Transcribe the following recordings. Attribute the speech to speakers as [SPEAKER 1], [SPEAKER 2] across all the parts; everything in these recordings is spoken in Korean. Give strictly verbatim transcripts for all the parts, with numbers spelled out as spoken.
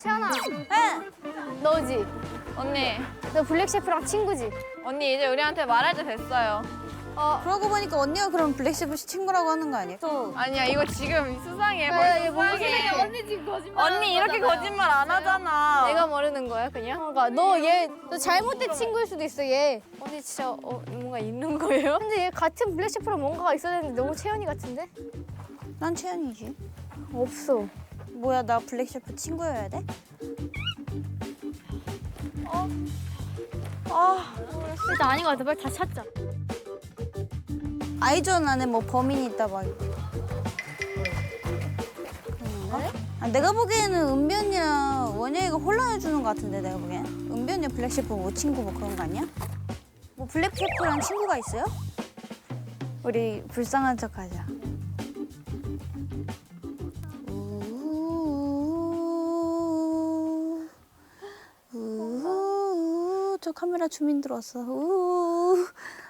[SPEAKER 1] 채연아,
[SPEAKER 2] 응.
[SPEAKER 1] 너지?
[SPEAKER 2] 언니,
[SPEAKER 1] 너 블랙 셰프랑 친구지?
[SPEAKER 2] 언니 이제 우리한테 말할 때 됐어요.
[SPEAKER 1] 어.
[SPEAKER 3] 그러고 보니까 언니가 그럼 블랙셰프 씨 친구라고 하는 거 아니야? 또
[SPEAKER 2] 아니야, 이거 지금 수상해.
[SPEAKER 1] 야,
[SPEAKER 2] 벌써
[SPEAKER 1] 얘 뭔
[SPEAKER 2] 수상해.
[SPEAKER 1] 소리야? 언니 지금 거짓말.
[SPEAKER 2] 언니 이렇게 거짓말 안 하잖아.
[SPEAKER 1] 내가 모르는 거야, 그냥? 그러니까 너 얘 너 잘못된 친구일 수도 있어, 얘. 언니 진짜 어, 뭔가 있는 거예요? 근데 얘 같은 블랙 셰프랑 뭔가가 있어야 되는데 너무 채연이 같은데?
[SPEAKER 3] 난 채연이지.
[SPEAKER 1] 없어.
[SPEAKER 3] 뭐야, 나 블랙셰프 친구여야 돼?
[SPEAKER 2] 아,
[SPEAKER 1] 일단 아닌 것 같아. 빨리 다 찾자.
[SPEAKER 3] 아이존 안에 뭐 범인이 있다 막. 그런가? 아, 내가 보기에는 은비 언니랑 원영이가 혼란을 주는 것 같은데, 내가 보기엔. 은비 언니 블랙셰프 뭐 친구 뭐 그런 거 아니야? 뭐 블랙셰프랑 친구가 있어요? 우리 불쌍한 척 하자. 우우우우. 우우우우. 저 카메라 주민 들어왔어. 우우우우.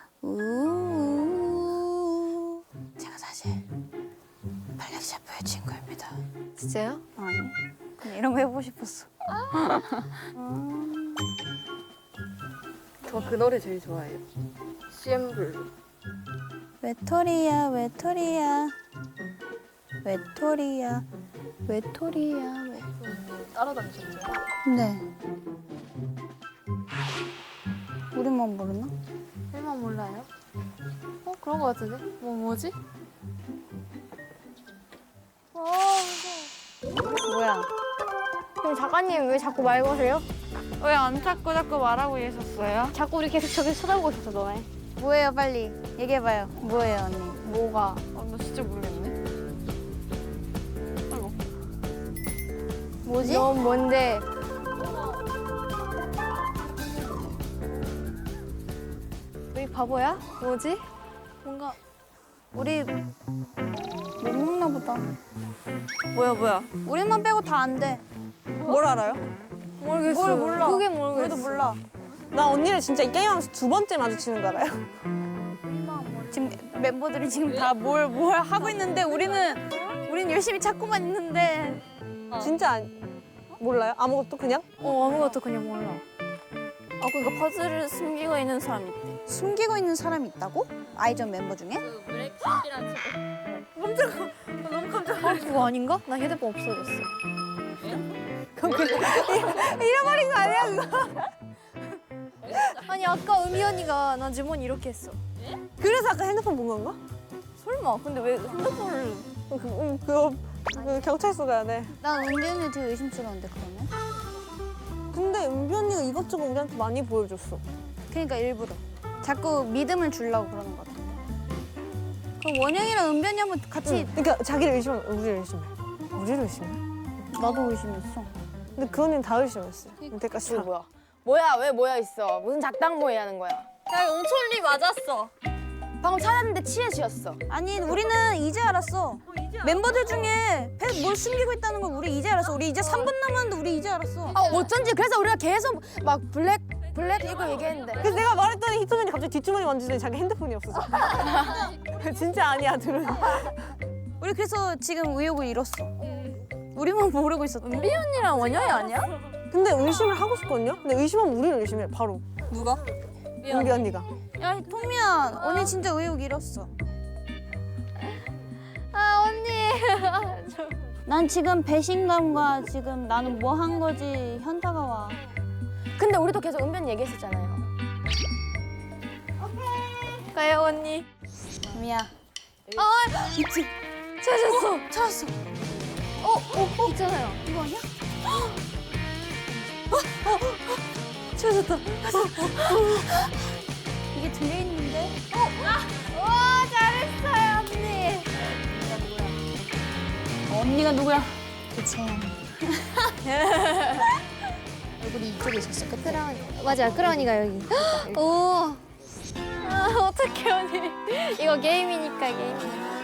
[SPEAKER 3] 우우우우. 제가 사실 블랙셰프의 친구입니다.
[SPEAKER 1] 진짜요?
[SPEAKER 3] 아니, 그냥 이런 거 해보고 싶었어.
[SPEAKER 4] 저 그 노래 제일 좋아해요. 씨엠블루.
[SPEAKER 3] 외톨이야, 외톨이야. 외톨이야, 외톨이야, 외.
[SPEAKER 4] 따라다니셨죠?
[SPEAKER 3] 네. 우리만 모르나?
[SPEAKER 1] 일만 몰라요? 어? 그런 거 같은데? 뭐, 뭐지? 어,
[SPEAKER 3] 뭐야?
[SPEAKER 1] 그럼 작가님 왜 자꾸 말 거세요?
[SPEAKER 2] 왜 안 찾고 자꾸 말하고 계셨어요?
[SPEAKER 1] 자꾸 우리 계속 저기 쳐다보고 있었어, 너네.
[SPEAKER 3] 뭐예요, 빨리 얘기해봐요. 뭐예요, 언니?
[SPEAKER 1] 뭐가?
[SPEAKER 2] 아, 나 진짜 모르겠네. 아이고.
[SPEAKER 3] 뭐지?
[SPEAKER 1] 넌 뭔데? 우리 바보야? 뭐지? 뭔가
[SPEAKER 3] 우리 못 먹나 보다.
[SPEAKER 4] 뭐야 뭐야?
[SPEAKER 3] 우리만 빼고 다 안 돼.
[SPEAKER 4] 뭘 알아요?
[SPEAKER 1] 모르겠어.
[SPEAKER 3] 뭘 몰라?
[SPEAKER 1] 그게 모르겠어.
[SPEAKER 3] 우리도 몰라.
[SPEAKER 4] 나 언니를 진짜 이 게임하면서 두 번째 마주치는 거 알아요?
[SPEAKER 3] 지금 멤버들이 지금 다 뭘 뭘 하고 있는데 우리는 우리는 열심히 찾고만 있는데.
[SPEAKER 4] 진짜 안, 몰라요? 아무것도 그냥?
[SPEAKER 1] 어, 아무것도 그냥 몰라.
[SPEAKER 2] 아, 그러니까 퍼즐을 숨기고 있는 사람 있대.
[SPEAKER 3] 숨기고 있는 사람이 있다고? 아이전 멤버 중에?
[SPEAKER 1] 아, 그거 아닌가? 나 휴대폰 없어졌어.
[SPEAKER 3] 잃어버린 거 아니야 그거?
[SPEAKER 1] 아니, 아까 은미 언니가 나 주머니 이렇게 했어.
[SPEAKER 4] 그래서 아까 핸드폰 본 건가?
[SPEAKER 1] 설마, 근데 왜 핸드폰을.
[SPEAKER 4] 그, 음, 그거 그 경찰서 가야 돼.
[SPEAKER 3] 난 은비 언니 되게 의심스러운데 그러면?
[SPEAKER 4] 근데 은비 언니가 이것저것 우리한테 많이 보여줬어.
[SPEAKER 3] 그러니까 일부러 자꾸 믿음을 주려고 그러는 것 같은데. 그럼 원영이랑 은비 언니 한번 같이.
[SPEAKER 4] 응. 그러니까 자기를 의심하면 우리를 의심해. 우리를 의심해?
[SPEAKER 3] 나도 의심했어.
[SPEAKER 4] 근데 그 언니는 다 의심했어. 이때까지 다.
[SPEAKER 5] 뭐야? 뭐야? 왜 뭐야 있어? 무슨 작당 모의 하는 거야?
[SPEAKER 2] 야, 옹철리 맞았어.
[SPEAKER 5] 방금 찾았는데 치엣이었어.
[SPEAKER 3] 아니 우리는 이제 알았어. 멤버들 중에 배- 뭘 숨기고 있다는 걸 우리 이제 알았어. 우리 이제 삼 분 남았는데 우리 이제 알았어.
[SPEAKER 5] 아 어쩐지 그래서 우리가 계속 막 블랙 블랙 이거 얘기했는데.
[SPEAKER 4] 그래서 내가 말했더니 희토면이 갑자기 뒷주머니 만지더니 자기 핸드폰이 없어서. 진짜 아니야, 둘은.
[SPEAKER 3] 우리 그래서 지금 의욕을 잃었어. 우리만 모르고 있었다.
[SPEAKER 2] 은비 언니랑 원영이 아니야?
[SPEAKER 4] 근데 의심을 하고 싶거든요? 근데 의심하면 우리를 의심해, 바로.
[SPEAKER 2] 누가?
[SPEAKER 4] 은비 언니가.
[SPEAKER 3] 야 토미야, 언니 진짜 의욕 잃었어.
[SPEAKER 1] 아, 언니.
[SPEAKER 3] 난 지금 배신감과 지금 나는 뭐 한 거지 현타가 와.
[SPEAKER 5] 근데 우리도 계속 은변 얘기했었잖아요.
[SPEAKER 1] 가요, 언니.
[SPEAKER 3] 미야.
[SPEAKER 1] 아, 있지. 찾았어. 찾았어. 어, 어, 어, 있잖아요. 이거 아니야?
[SPEAKER 3] 찾았다. 이게 들려 있는데?
[SPEAKER 1] 와, 잘했어요, 언니.
[SPEAKER 3] 언니가 누구야? 그채연. 얼굴이 이쪽에 있었어. 끝에.
[SPEAKER 1] 크라운이. 맞아, 크라운이가 여기. 오. 아, 어떡해, 언니. 이거 게임이니까, 게임이니까.